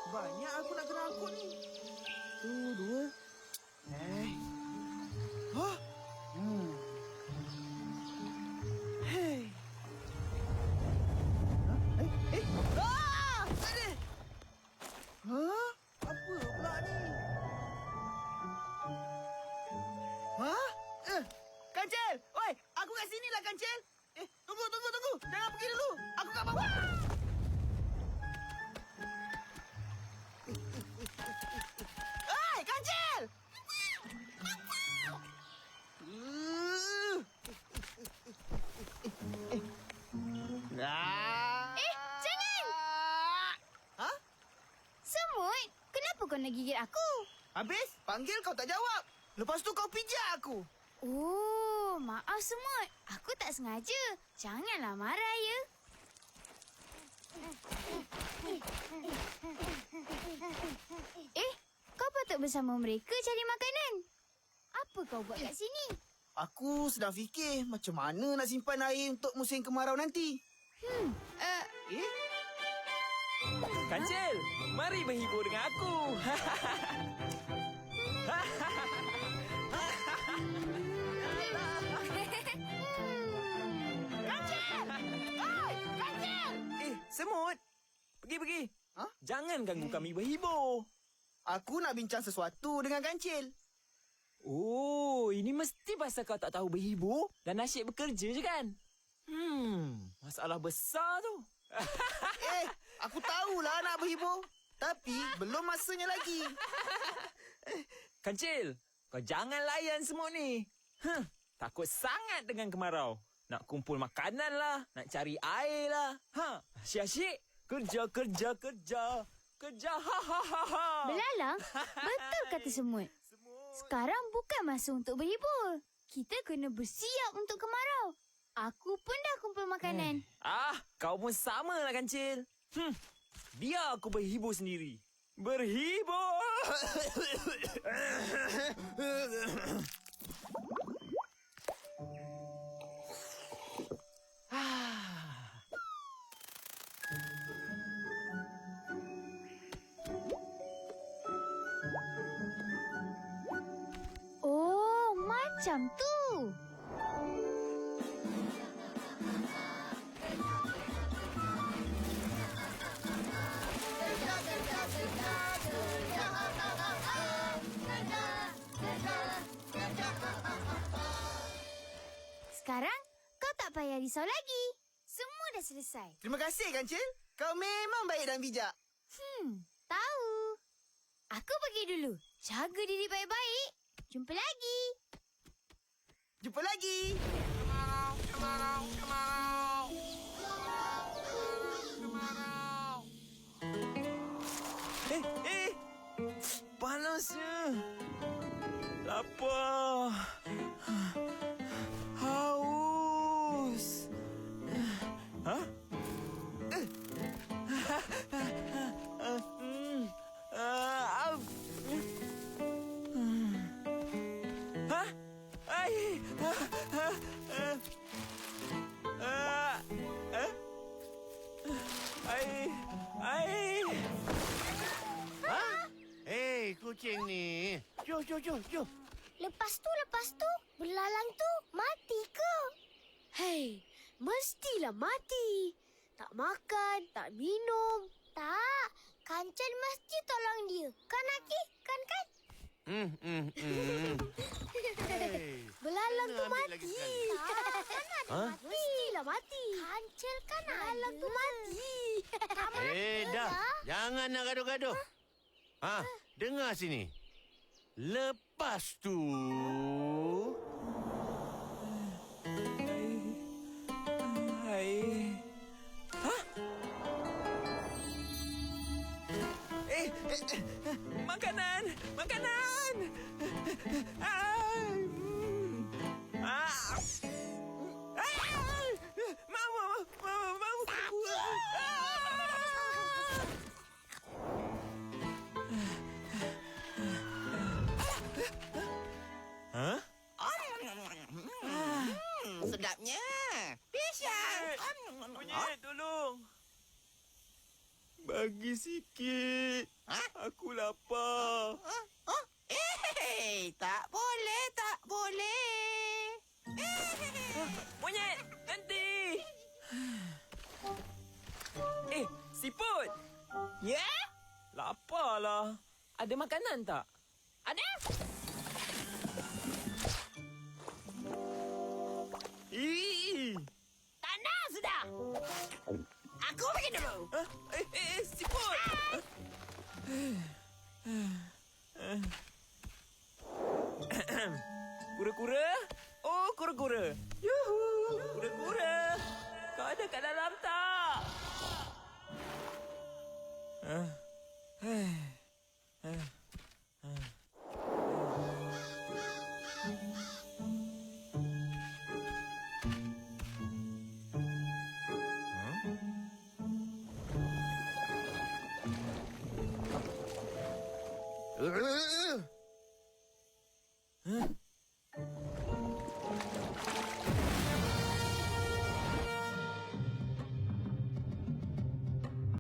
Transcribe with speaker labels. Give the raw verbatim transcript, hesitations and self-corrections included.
Speaker 1: Banyak aku nak kena angkut ni. Tu, dua. Eh. Hah? Hmm. Hei. Hah? Eh, eh. Ah! Aduh. Hah? Apa pula ni? Hah? Eh, Kancil! Oi, aku kat sini lah, Kancil. Eh, tunggu, tunggu, tunggu. Jangan pergi dulu. Aku kat bawah. Oi, Kancil! Ah!
Speaker 2: Eh, jangan!
Speaker 1: Hah?
Speaker 2: Semut, kenapa kau nak gigit aku?
Speaker 1: Habis, panggil kau tak jawab. Lepas tu kau pijak aku.
Speaker 2: Oh, maaf Semut. Aku tak sengaja. Janganlah marah, ya. Eh, kau patut bersama mereka cari makanan. Apa kau buat kat sini?
Speaker 1: Aku sedang fikir macam mana nak simpan air untuk musim kemarau nanti.
Speaker 2: Hmm, uh,
Speaker 1: Eh?
Speaker 3: Kancil, mari berhibur dengan aku.
Speaker 2: Kancil! Oi, Kancil!
Speaker 3: Eh, semut. Pergi-pergi.
Speaker 1: Hah?
Speaker 3: Jangan ganggu kami berhibur.
Speaker 1: Aku nak bincang sesuatu dengan Kancil.
Speaker 3: Oh, ini mesti pasal kau tak tahu berhibur dan asyik bekerja je kan? Hmm, masalah besar tu.
Speaker 1: Eh, aku tahulah nak berhibur. Tapi belum masanya lagi.
Speaker 3: Kancil, kau jangan layan semut ni. Huh, takut sangat dengan kemarau. Nak kumpul makanan lah, nak cari air lah. Ha, asyik-asyik. Kerja, kerja, kerja. Kerja, ha, ha, ha, ha.
Speaker 2: Belalang, betul kata Semut. Sekarang bukan masa untuk berhibur. Kita kena bersiap untuk kemarau. Aku pun dah kumpul makanan.
Speaker 3: Ah, kau pun sama lah Kancil. Hmm, biar aku berhibur sendiri. Berhibur!
Speaker 2: Oh, macam tu. Sekarang kau tak payah risau lagi. Semua dah selesai.
Speaker 1: Terima kasih, Kancil. Kau memang baik dan bijak.
Speaker 2: Hmm, tahu. Aku pergi dulu. Jaga diri baik-baik. Jumpa lagi.
Speaker 1: Jumpa lagi.
Speaker 3: Eh, eh. Panasnya. Lapar. Haus. Hah? Eh. Hmm. Ah, au. Hmm. Hah? Ai. Ah, ah, ah. Ah. Eh? Ai. Ai.
Speaker 4: Hei, kucing ni. Jom, jom, jom, jom.
Speaker 2: Lepas tu, lepas tu, belalang tu mati ke?
Speaker 5: Hei, mestilah mati. Tak makan, tak minum.
Speaker 2: Tak, Kancil mesti tolong dia. Kan, Aki? Kan, kan?
Speaker 4: Hmm, hmm, hmm. Hey.
Speaker 5: Belalang tu
Speaker 4: Ambil lagi
Speaker 5: mati.
Speaker 4: sekali.
Speaker 2: Tak, kan ada
Speaker 5: Ha?
Speaker 2: mati.
Speaker 5: Mestilah mati.
Speaker 2: Kancil kan
Speaker 5: Belalang
Speaker 2: ada.
Speaker 5: tu mati.
Speaker 4: Eh, dah. Jangan nak gaduh-gaduh. Ha, dengar sini. Lepas tu...
Speaker 3: Hai. Hah? Eh, eh, eh, makanan, makanan. Ah. Ah. Ah. Mau, mau, mau, mau. Ah. Hah?
Speaker 6: Sedapnya. Pisang.
Speaker 3: Kunyit, tolong. Bagi Bagi sikit. Aku lapar.
Speaker 1: Oh, eh, tak boleh, tak boleh.
Speaker 3: Monyet, nanti. Eh, siput.
Speaker 1: Ya?
Speaker 3: Laparlah. Ada makanan tak?
Speaker 1: Ada?
Speaker 3: Ih.
Speaker 1: Tak nak sudah. Aku pergi dulu.
Speaker 3: Ah, eh, eh, eh, siput. Kura-kura? Oh, kura-kura. Yuhu, kura-kura. Kau ada kat dalam tak? Ah. Eh. Eh. Eh.
Speaker 4: Uh,
Speaker 3: Huh?